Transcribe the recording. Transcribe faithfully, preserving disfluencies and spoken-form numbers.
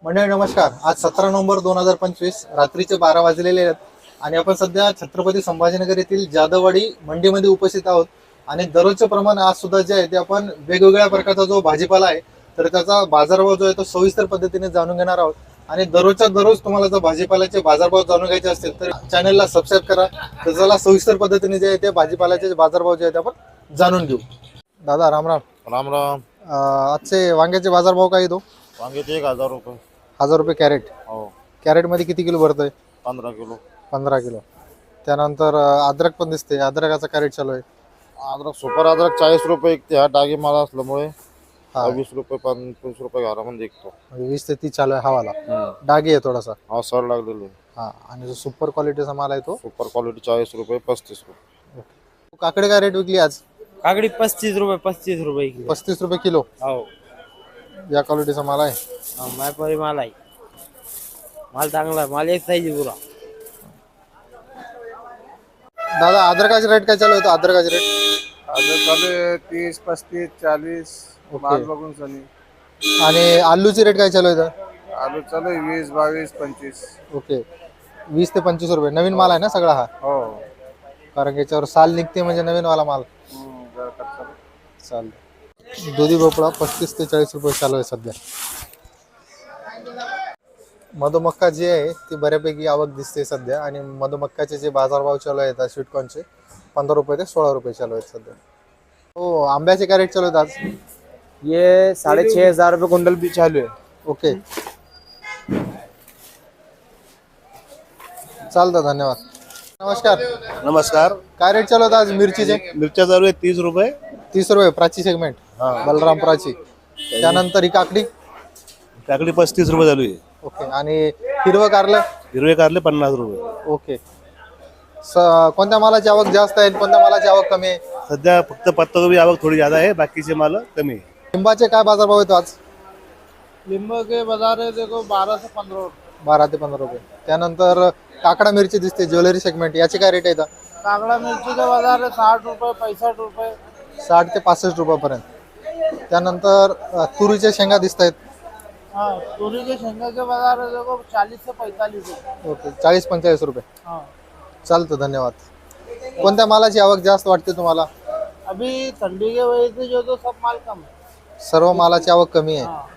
मंडळी नमस्कार. आज सतरा नोव्हेंबर दोन हजार पंचवीस रात्रीचे बारा वाजलेले आहेत आणि आपण सध्या छत्रपती संभाजीनगर येथील जाधववाडी मंडीमध्ये उपस्थित आहोत. आणि दररोजचे प्रमाण आज सुद्धा जे आहे ते आपण वेगवेगळ्या प्रकारचा जो भाजीपाला आहे तर त्याचा बाजारभाव जो आहे तो सविस्तर पद्धतीने जाणून घेणार आहोत. आणि दररोजच्या दररोज तुम्हाला जर भाजीपाल्याचे बाजारभाव जाणून घ्यायचे असतील तर चॅनलला सबस्क्राईब करा. तर चला सविस्तर पद्धतीने जे आहे ते भाजीपाल्याचे बाजारभाव जे आहे ते आपण जाणून घेऊ. दादा राम राम. राम राम. अं, आजचे वांग्याचे बाजारभाव काय येतो? वांग्याचे एक हजार रुपये. हजार रुपये कॅरेट. हो. कॅरेटमध्ये किती किलो भरतोय? पंधरा किलो. पंधरा किलो. त्यानंतर अं, अद्रक पण दिसते. अद्रकाचा कॅरेट चालू आहे. अद्रक सुपर अद्रक चाळीस रुपये विकते. हा डागी माल असल्यामुळे हा वीस रुपये पंचवीस रुपये घरामध्ये विकतो. म्हणजे वीस ते तीस चालू आहे हवाला. डागी आहे थोडासा. हा सर लागलेलो. हा आणि जो सुपर क्वालिटीचा माल आहे तो सुपर क्वालिटी चाळीस रुपये पस्तीस रुपये. काकडे काय रेट विकली आज? काकडी पस्तीस रुपये पस्तीस रुपये किलो. पस्तीस रुपये किलो. हो. या क्वालिटीचा माल आहे. हा, मायपारी माल आहे. माल चांगला आहे. माल एक साईज पुरा. दादा अद्रकाचे रेट काय चालू होतं? अद्रकाचे रेट अद्रक चालू आहे तीस पस्तीस चाळीस ओके. माल बघून चालू. आणि आलूची रेट काय चालू आहे? आलू चालू आहे वीस बावीस पंचवीस. ओके. वीस ते पंचवीस रुपये. नवीन माल आहे ना सगळा हा? हो. कारण याच्यावर साल निघते म्हणजे नवीन वाला माल. हम्म, जरा कच्चा. चालेल. दुधी भोपळा पस्तीस ते चाळीस रुपये चालू आहे सध्या. मधुमक्का जी आहे ती बऱ्यापैकी आवक दिसते सध्या. आणि मधुमक्काचे जे बाजारभाव चालू आहेत आज स्वीटकॉर्नचे पंधरा रुपये ते सोळा रुपये चालू आहेत सध्या. हो. आंब्याचे काय रेट चालू आहेत आज? ये साढ़े छह हजार रुपये कुंटल भी चालू है. ओके. चालतं. धन्यवाद. नमस्कार. नमस्कार. काय रेट चालू होता आज मिरचीचे? मिरच्या चालू आहे तीस रुपये. तीस रुपये प्राची सेगमेंट. बलराम प्राची. त्यानंतर ही काकडी. काकडी पस्तीस रुपये चालू आहे. ओके. आणि हिरवं कारलं. हिरवे कारले पन्नास रुपये. ओके. स कोणत्या मालाची आवक जास्त आहे कोणत्या मालाची आवक कमी आहे? सध्या फक्त पत्ताकोबी आवक थोडी ज्यादा आहे. बाकीचे माल कमी आहे. लिंबाचे काय बाजारभाव येतो आज? लिंबू के बाजार है देखो बारह से पंद्रह रुपये. बारा ते पंधरा रुपये. त्यानंतर काकडा मिरची दिसते ज्वेलरी सेगमेंट. याचे काय रेट येतात? काकड़ा मिर्ची का बाजार है साठ रुपये पैंसठ रुपये. साठ ते पासष्ट रुपयापर्यंत. त्यानंतर अ, तुरीच्या शेंगा दिसत आहेत. हाँ तूरी के शेंगा के बाजार है देखो चालीस से पैंतालीस रुपये. ओके. चाळीस पंचेचाळीस रुपये. हाँ. चालतं. धन्यवाद. कोणत्या मालाची आवक जास्त वाटते तुम्हाला? अभी ठंडी के वजह से जो तो सब माल कम है. सर्व मालाची आवक कमी आहे. हाँ.